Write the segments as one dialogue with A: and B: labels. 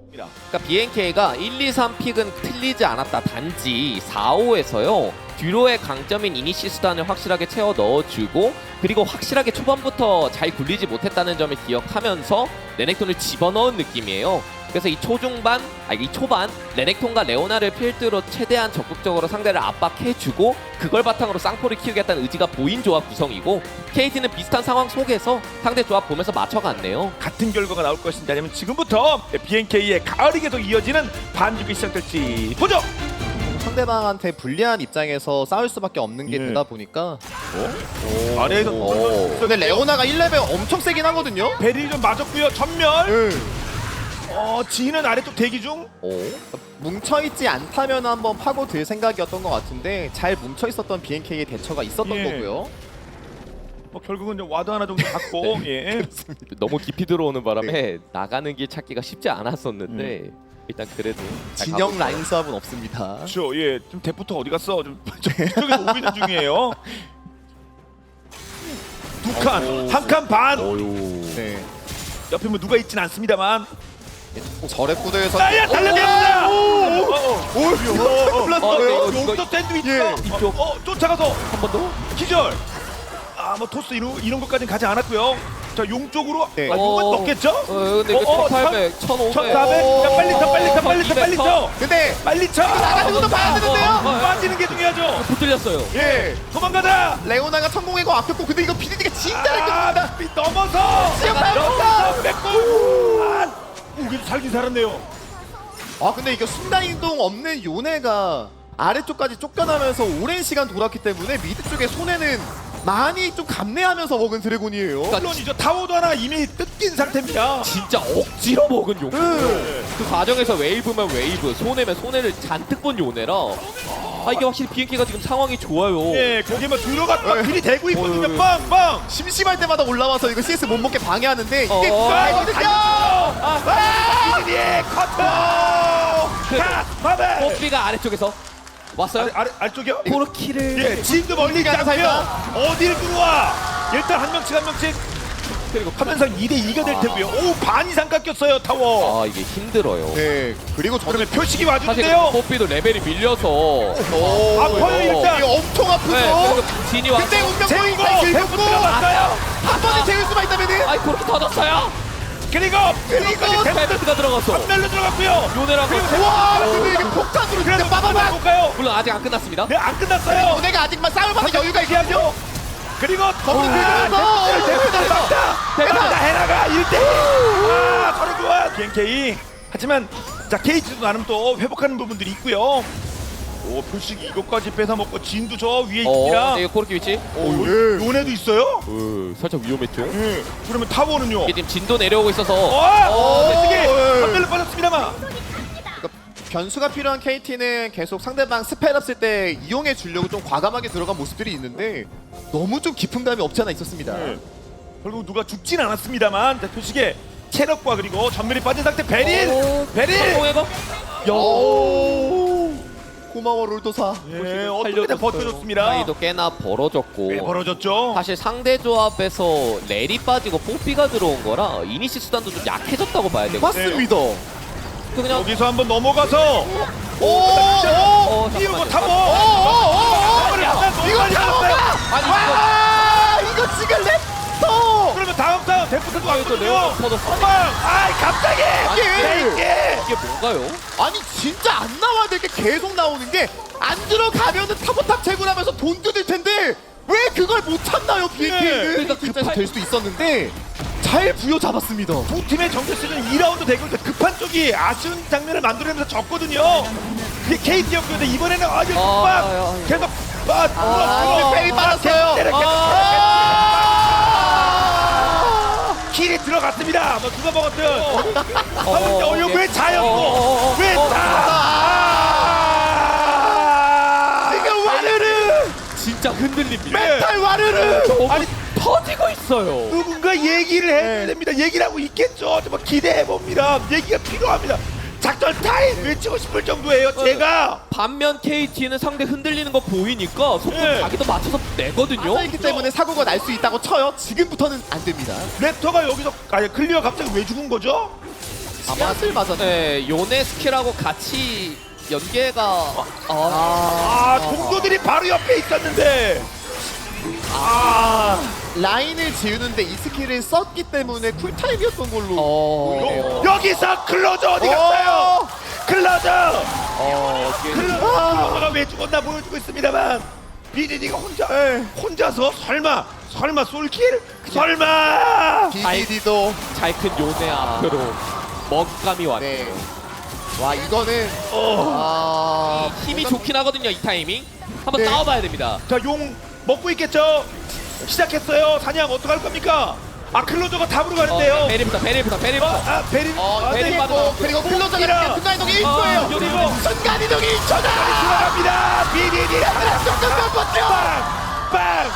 A: 그러니까 BNK가 1, 2, 3 픽은 틀리지 않았다. 단지 4, 5에서요. 듀로의 강점인 이니시 수단을 확실하게 채워 넣어주고 그리고 확실하게 초반부터 잘 굴리지 못했다는 점을 기억하면서 레넥톤을 집어넣은 느낌이에요. 그래서 이 초중반, 이 초반 레넥톤과 레오나를 필두로 최대한 적극적으로 상대를 압박해주고 그걸 바탕으로 쌍포를 키우겠다는 의지가 보인 조합 구성이고 KT는 비슷한 상황 속에서 상대 조합 보면서 맞춰갔네요.
B: 같은 결과가 나올 것인지 아니면 지금부터 BNK의 가을이 계속 이어지는 반죽이 시작될지 보죠.
C: 상대방한테 불리한 입장에서 싸울 수밖에 없는 게
B: 예.
C: 되다 보니까
B: 아래에서
C: 근데 레오나가 1레벨 엄청 세긴 하거든요?
B: 베릴 좀 맞았고요. 전멸.
C: 네.
B: 지인은 아래쪽 대기 중.
C: 뭉쳐있지 않다면 한번 파고들 생각이었던 것 같은데 잘 뭉쳐있었던 BNK의 대처가 있었던
B: 예.
C: 거고요.
B: 결국은 이제 와드 하나 정도 갖고 예.
A: 너무 깊이 들어오는 바람에 나가는 길 찾기가 쉽지 않았었는데 일단 그래도 잘
C: 진영
A: 가고
C: 라인 수합은 없습니다.
B: 그렇죠. 예. 좀 대부터 어디 갔어? 좀 이쪽에서 오고 있는 중이에요. 두 칸, 한 칸 반.
C: 네.
B: 옆에 뭐 누가 있진 않습니다만.
C: 절의 구도에서
B: 나야 달려갑니다.
A: 이거
B: 용도 샌드위치.
C: 예.
A: 이쪽.
B: 쫓아가서
A: 한 번 더?
B: 기절. 뭐 토스 이런 것까지는 가지 않았고요. 자, 용 쪽으로
C: 네.
B: 용은 넣겠죠?
A: 근데 이거 1800, 1500.
B: 1400. 자, 빨리 쳐, 빨리 쳐, 빨리 쳐, 빨리 쳐.
C: 근데
B: 빨리 쳐.
C: 나가는 것도 봐야 되는데요?
B: 빠지는 게 중요하죠.
A: 붙들렸어요.
B: 예. 도망가자.
C: 레오나가 성공했고 아꼈고 근데 이거 비디디가 진짜 잘 끝납니다.
B: 넘어서.
C: 넘어서.
B: 뺏고. 그래도 살긴 살았네요.
C: 근데 이거 순간이동 없는 요네가 아래쪽까지 쫓겨나면서 오랜 시간 돌았기 때문에 미드 쪽에 손해는 많이 좀 감내하면서 먹은 드래곤이에요.
B: 물론이죠. 타워도 하나 이미 뜯긴 상태입니다.
A: 진짜 억지로 먹은 용. 그 과정에서 웨이브면 웨이브, 손해면 손해를 잔뜩 본 요네라. 이게 확실히 BNK가 지금 상황이 좋아요.
B: 예, 거기에 막 들어갔다 길이 대고 있거든요.
A: 어이.
B: 빵빵.
C: 심심할 때마다 올라와서 이거 CS 못 먹게 방해하는데 이게
B: 달려들죠.
C: 구간이거든요.
B: 이들이 커터. 자, 바벨.
A: 뽀삐가 아래쪽에서 왔어요.
B: 아래쪽이요?
A: 포르키를
B: 예, 지금도 멀리 있지 않고요. 어딜 들어와? 일단 한 명씩
A: 그리고
B: 하면서 2대2가 될 테고요. 오, 반 이상 깎였어요, 타워.
A: 이게 힘들어요.
C: 네. 그리고 저는
B: 그러면 표식이
A: 사실
B: 와주는데요.
A: 뽀삐도 레벨이 밀려서
B: 아파요, 일단.
C: 이게 엄청 아프죠.
A: 그리고 진이 와서
C: 근데 운명
B: 제고
C: 포인트 긁고
B: 대부 들어갔어요.
C: 한 번에 재울 수만 있다면은
A: 그렇게 터졌어요.
B: 그리고
A: 페르트가 들어갔어.
B: 전멸로 들어갔고요.
A: 요네라고.
C: 와 근데 이게 폭탄으로
B: 그래도
C: 진짜 빠바바.
B: 볼까요?
A: 물론 아직 안 끝났습니다.
B: 네, 안 끝났어요.
C: 요네가 아직만 싸움하는 여유가 있긴 하죠.
B: 그리고
C: 거기서 들어가서
B: 대박다 헤라가 1대1. 서로 좋아. BNK. 하지만 자 KT도 나름 또 회복하는 부분들이 있고요. 오, 표식이 이것까지 뺏어먹고 진도 저 위에 있습니다.
A: 이거 코르키 위치.
B: 요네도 있어요?
A: 살짝 위험했죠.
B: 예. 그러면 타워는요?
A: 이게 지금 진도 내려오고 있어서
B: 메스게 선별로 빠졌습니다만.
C: 변수가 필요한 KT는 계속 상대방 스펠 없을 때 이용해 주려고 좀 과감하게 들어간 모습들이 있는데 너무 좀 깊은 감이 없지 않아 있었습니다.
B: 결국 누가 죽진 않았습니다만 자, 표식의 체력과 그리고 전멸이 빠진 상태 베릴!
A: 성공해봐.
C: 고마워 롤도사.
B: 예, 어떻게든 버텨줬습니다.
A: 사이도 꽤나 벌어졌고.
B: 왜 벌어졌죠?
A: 사실 상대 조합에서 렐이 빠지고 뽀삐가 들어온 거라 이니시 수단도 좀 약해졌다고 봐야 되고.
C: 맞습니다.
A: 그냥
B: 여기서 한번 넘어가서 띄우고 타고
C: 이거 타워가! 이거 지금 랩터!
B: 그러면 다음 데프트도 왔거든요.
A: 터졌어.
B: 갑자기
A: 이게 뭔가요?
C: 아니 진짜 안 나와야 될 게 계속 나오는 게 안 들어가면은 타보탑 채굴하면서 돈 뜯을 텐데 왜 그걸 못 참나요 BNK는?
A: 그러니까
C: 급해서 될 수도 있었는데 잘 부여잡았습니다.
B: 두 팀의 정규 시즌 2라운드 대결 급한 쪽이 아쉬운 장면을 만들어내면서 졌거든요. 그게 KT였거든요. 이번에는 아주 계속
C: 페이 빨았어요.
B: 길이 들어갔습니다. 뭐 누가 먹었든. 이거 왜 자였고 왜 자?
C: 지금 와르르
A: 진짜 흔들립니다.
C: 멘탈 와르르.
A: 아니 터지고 있어요.
B: 누군가 얘기를 해야 됩니다. 얘기를 하고 있겠죠. 정말 기대해 봅니다. 얘기가 필요합니다. 작전 타임 외치고 싶을 정도예요. 제가
A: 반면 KT는 상대 흔들리는 거 보이니까 속도 자기도 맞춰서 내거든요.
C: 맞아있기 때문에 사고가 날 수 있다고 쳐요. 지금부터는 안 됩니다.
B: 랩터가 여기서 클리어 갑자기 왜 죽은 거죠?
C: 씨앗을 맞았네.
A: 네, 요네 스킬하고 같이 연계가
B: 동료들이 바로 옆에 있었는데.
C: 라인을 지우는데 이 스킬을 썼기 때문에 쿨타임이었던 걸로
A: 어.
B: 여기서 클로저 어디 갔어요? 클로저. 클로저가 왜 죽었나 보여주고 있습니다만 BDD가 혼자서 설마 솔킬? 설마.
C: BDD도
A: 잘 큰 요네 앞으로 먹감이 왔네.
C: 네. 와 이거는
A: 힘이 좋긴 하거든요, 이 타이밍. 한번
C: 네.
A: 싸워봐야 됩니다.
B: 자, 용 먹고 있겠죠? 시작했어요. 사냥 어떡할 겁니까? 클로저가 답으로 가는데요.
A: 베리부터.
B: 베린.
A: 베린
B: 네.
A: 받아.
C: 그리고 클로저가
B: 이라.
C: 순간이동 1초예요.
A: 그리고
C: 순간이동 1초다.
B: 들어갑니다. BDD.
C: 조금 몇 번째.
B: 빵.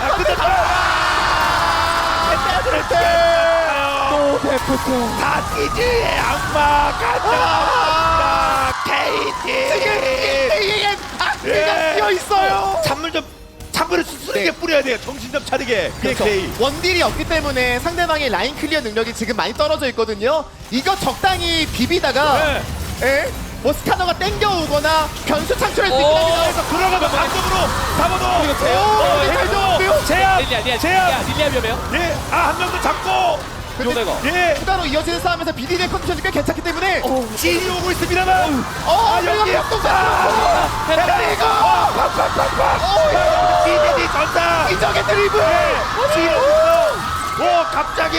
A: 또 데프트.
B: 다티지의 악마 가져갑니다. KT.
C: 악기가 뛰어 있어요.
B: 찬물을 스스로게 뿌려야 돼요. 정신 좀 차리게.
C: 그렇죠.
B: BK.
C: 원딜이 없기 때문에 상대방의 라인 클리어 능력이 지금 많이 떨어져 있거든요. 이거 적당히 비비다가 뭐 스카너가 땡겨오거나 변수 창출할 수 있거든요.
B: 그래서 들어가면 안쪽으로 잡아도.
A: 그리고 제압.
C: 잘 잡았고요.
B: 제압.
A: 릴리아 위험해요.
B: 예. 한 명 더 잡고.
A: 요네가.
B: 예.
C: 추가로 이어지는 싸움에서 BDD의 컨디션이 꽤 괜찮기 때문에
B: 찐이 오고 있습니다만.
C: 여기
B: 그리고 BDD 전사.
C: 이적의 드리블.
B: 오 갑자기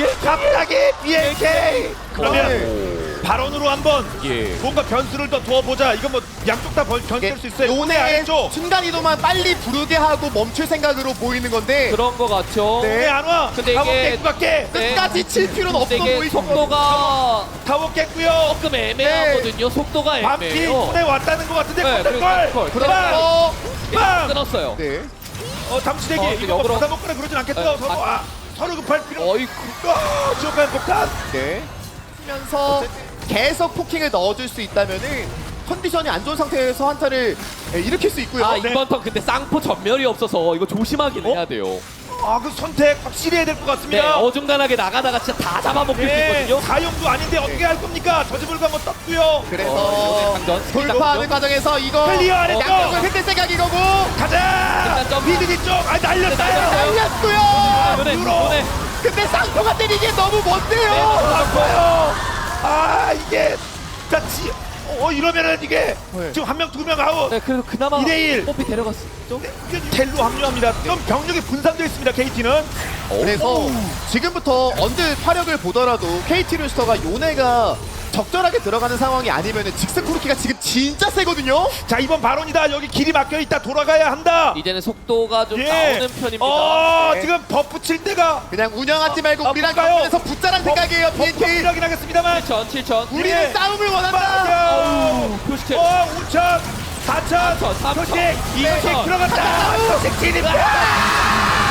B: BNK. 그러면 발언으로 한번 뭔가 변수를 더 두어보자. 이건 뭐 양쪽 다 견딜 수 있어요.
C: 요네
B: 아래쪽.
C: 순간 이동만 빨리 부르게 하고 멈출 생각으로 보이는 건데
A: 그런 거 같죠.
C: 네.
B: 왜 안 와?
A: 근데
B: 타워
A: 이게-
B: 깼고 갈게.
C: 끝까지 칠 필요는 없어
A: 근데 이게
C: 보이고
A: 속도가
B: 타워 깼고요.
A: 조금 애매하거든요. 속도가
B: 밤피
A: 애매해요.
B: 손에 왔다는 것 같은데
A: 네,
B: 컨트롤.
A: 그리고
C: 그래서
B: 빵!
A: 끊었어요.
C: 네.
B: 잠시대기. 이거
A: 역으로.
B: 받아먹거나 그러진 않겠죠.
A: 네,
B: 서로 서로 급할 필요.
A: 어이쿠.
B: 지옥간 폭탄.
C: 네. 하면서 계속 포킹을 넣어줄 수 있다면은 컨디션이 안 좋은 상태에서 한타를 일으킬 수 있고요.
B: 네.
A: 이번 턴 근데 쌍포 전멸이 없어서 이거 조심하긴 해야 돼요.
B: 그 선택 확실히 해야 될 것
A: 네,
B: 같습니다.
A: 어중간하게 나가다가 진짜 다 잡아먹힐 수
B: 예,
A: 있거든요.
B: 사용도 아닌데 어떻게 할 겁니까? 저지불가 한번 떴고요.
C: 그래서
A: 강전.
C: 돌파하는 과정에서 이거
B: 클리어 안 했죠?
C: 양쪽을 흔들 생각이 거고
B: 가자.
A: 일단 점프.
B: 비디디 쪽. 날렸어요.
C: 날렸고요.
A: 요네,
B: 유로.
A: 요네.
C: 근데 쌍포가 때리기에 너무
A: 네,
C: 먼데요.
B: 아파요. 이게 이러면은 이게
C: 네.
B: 지금 한 명 두 명 아웃.
A: 네, 그래서 그나마
B: 2대1.
A: 뽀삐 데려갔죠.
B: 텔로 합류합니다. 좀 병력이 분산되어 있습니다. KT는.
C: 그래서 지금부터 언제 화력을 보더라도 KT 루스터가 요네가 적절하게 들어가는 상황이 아니면은 직스 코르키가 지금 진짜 세거든요.
B: 자 이번 발언이다. 여기 길이 막혀 있다. 돌아가야 한다.
A: 이제는 속도가 좀
B: 예.
A: 나오는 편입니다.
C: 네.
B: 지금 버프 칠 때가
C: 그냥 운영하지 말고 우리랑
B: 볼까요?
C: 경기에서 붙자란 생각이에요. BNK.
B: 버프이긴 하겠습니다만.
A: 7천.
C: 우리는
B: 예.
C: 싸움을 원한다.
B: 빠져.
A: 표시체.
B: 5천, 4천,
A: 3천,
B: 표식,
A: 2천.
B: 표식 들어갔다. 표식 진입니다.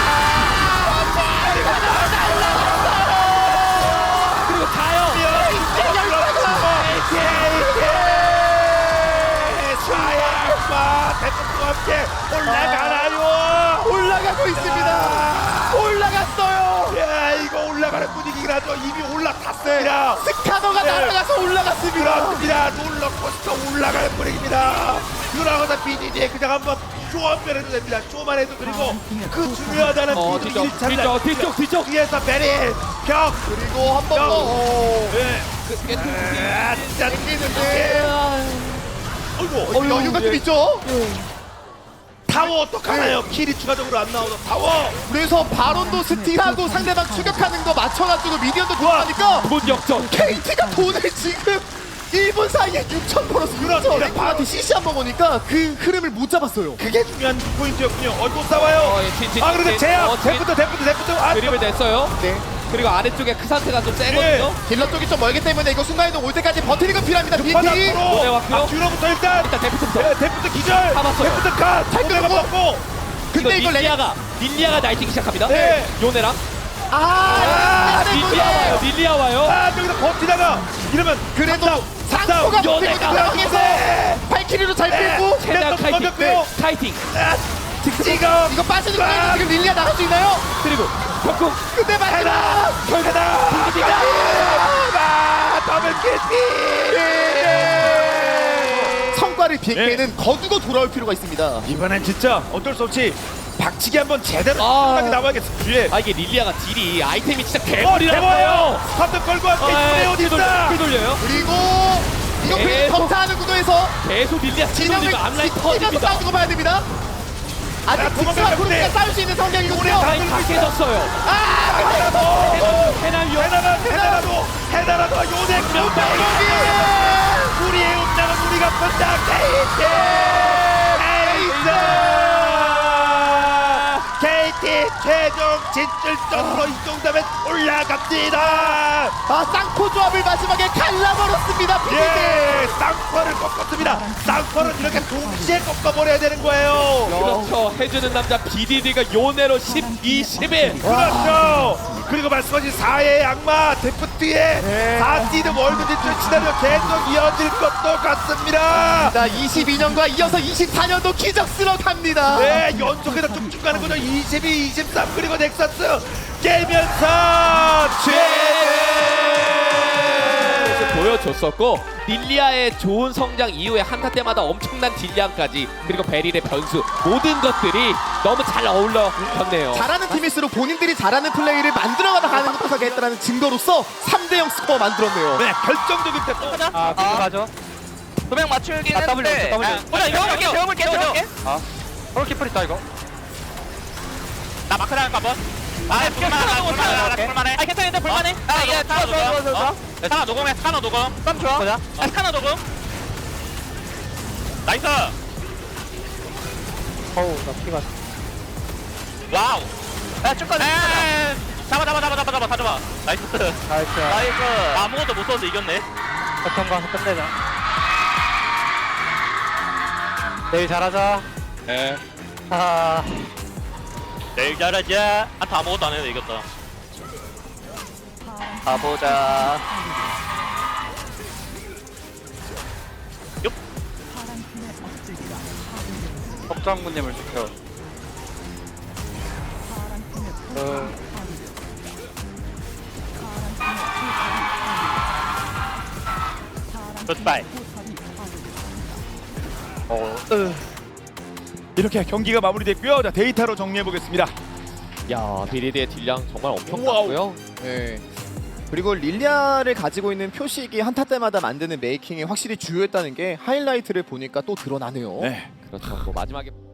A: 그리고 가요.
B: 사야마 대통과 함께 올라가나요?
C: 올라가고 있습니다. 올라갔어요.
B: 야 이거 올라가는 분위기긴 하죠. 이미 올라탔습니다.
C: 스카너가
B: 네.
C: 날아가서 올라갔습니다.
B: 그렇습니다. 롤러코스터 올라가는 분위기입니다. 그러고서 BDD에 그냥 한번 쇼한번 해도 됩니다. 쇼만 해도 그리고 그 중요하다는
A: 뒤쪽.
B: 뒤에서 베리 격.
C: 그리고 한 번 더.
B: 네. 진짜
C: 땡기는데
B: 어이구
C: 여유가 좀 있죠.
B: 타워 어떡하나요? 킬이 추가적으로 안 나오죠. 타워.
C: 그래서 바론도 스틸하고 상대방 추격하는 거 맞춰가지고 미디언도 들어가니까
A: 문 역전.
C: KT가 돈을 지금 1분 사이에 6천 벌었어요.
B: 그렇습니다.
C: 그렇죠. 바로 CC 한번 보니까 그 흐름을 못 잡았어요.
B: 그게 중요한 포인트였군요. 또 싸워요. 그런데 제압. 데프트.
A: 그림을 냈어요.
C: 네.
A: 그리고 아래쪽에 그 상태가 좀 세거든요.
C: 딜러 쪽이 좀 멀기 때문에 이거 순간이동 올 때까지 버티는 건 필요합니다. BNK.
A: 네, 왔고요.
B: 뒤로부터 일단
A: 데프트부터.
B: 데프트 기절.
A: 잡았어요.
B: 데프트 컷.
C: 잘
B: 오메가
C: 끊고.
B: 먹고.
C: 근데 이거
A: 릴리아가 날뛰기 시작합니다.
B: 네.
A: 요네랑. 릴리아 와요.
B: 여기서 버티다가 이러면
C: 그래도 상포가
B: 싸움.
C: 버티고 있는
B: 요네가.
C: 상황에서 발키리로 잘 빼고
A: 최대한
B: 또 넘겼고요.
A: 카이팅.
B: 지금
C: 이거 빠지는 거예요. 지금 릴리아 나갈 수 있나요?
A: 그리고 벽궁.
C: 근데 마지막
B: 결과다. 더블
C: 성과를 BNK는 거두고 돌아올 필요가 있습니다.
B: 이번엔 진짜 어쩔 수 없이 박치기 한번 제대로
A: 아.
B: 하게 나와야겠어. 뒤에.
A: 아 이게 릴리아가 딜이 아이템이 진짜
B: 대버예요.
A: 개머리라고요.
B: 파트 걸고 함께 어디 있다.
A: 돌려요.
C: 그리고 이거
A: 계속.
C: 그냥 점사하는 구도에서
A: 계속 릴리아
C: 진영을
A: 찌르면 앞라인
C: 지키면서
A: 터집니다.
C: 싸우는 거 봐야 됩니다. 아직
B: 자, 도망가면
C: 직수와
B: 돼.
C: 구르기가 싸울 수 있는 성격이거든요.
A: 라인 다 깨졌어요. 해나요.
B: 해나라도 요네 우리의 운명은 우리가 본다. KT 최종 진출점으로 이 정도면 올라갑니다.
C: 아, 쌍코 조합을 마지막에 갈라버렸습니다.
B: 예, 쌍퍼를 꺾었습니다. 쌍퍼는 이렇게 동시에 꺾어버려야 되는 거예요.
A: 그렇죠. 해주는 남자 BDD가 요네로 12, 11.
B: 그렇죠. 그리고 말씀하신 4의 악마 데프트의 4시드 월드 진출 시나리오 계속 이어질 것도 같습니다.
C: 자, 22년과 이어서 24년도 기적스러 갑니다.
B: 네, 연속해서 쭉쭉 가는 거죠. 22, 23 그리고 넥서스 깨면서 최대
A: 보여줬었고 릴리아의 좋은 성장 이후에 한타 때마다 엄청난 딜량까지 그리고 베릴의 변수 모든 것들이 너무 잘 어울렸네요.
C: 잘하는 팀일수록 본인들이 잘하는 플레이를 만들어가다 가는 것도 하겠다는 증거로서 3대0 스코어 만들었네요.
B: 네, 결정적인 때 또.
D: 아, 그거 가죠.
E: 도명 맞추긴
D: 아,
E: 했는데
D: W.
E: 보자 이거 배워볼게
D: 서울 키퍼 있다, 이거.
E: 나 마크 나갈까 한번 볼만해 아 괜찮은데 볼만해 아예 좋아 스카너 노공해 스카너 노공 땀 좋아
D: 보자.
E: 스카너 노공 나이스
D: 어우, 나 피가.
E: 와우 야 쭉가자 잡아 다 잡아 나이스
D: 나이스.
E: 나 아무것도 못 썼는데 이겼네
D: 어떤 거 끝내자. 내일 잘하자.
E: 네
D: 아,
E: 내일 잘하자 한타 아무것도 안 해도 이겼다 가보자
D: 법장군님을 지켜.
E: 굿바이
B: 이렇게 경기가 마무리됐고요. 자, 데이터로 정리해 보겠습니다.
A: 야 BDD의 딜량 정말 엄청
B: 와우.
A: 났고요.
C: 네. 그리고 릴리아를 가지고 있는 표식이 한타 때마다 만드는 메이킹이 확실히 주요했다는 게 하이라이트를 보니까 또 드러나네요.
B: 네.
A: 그렇죠. 뭐 마지막에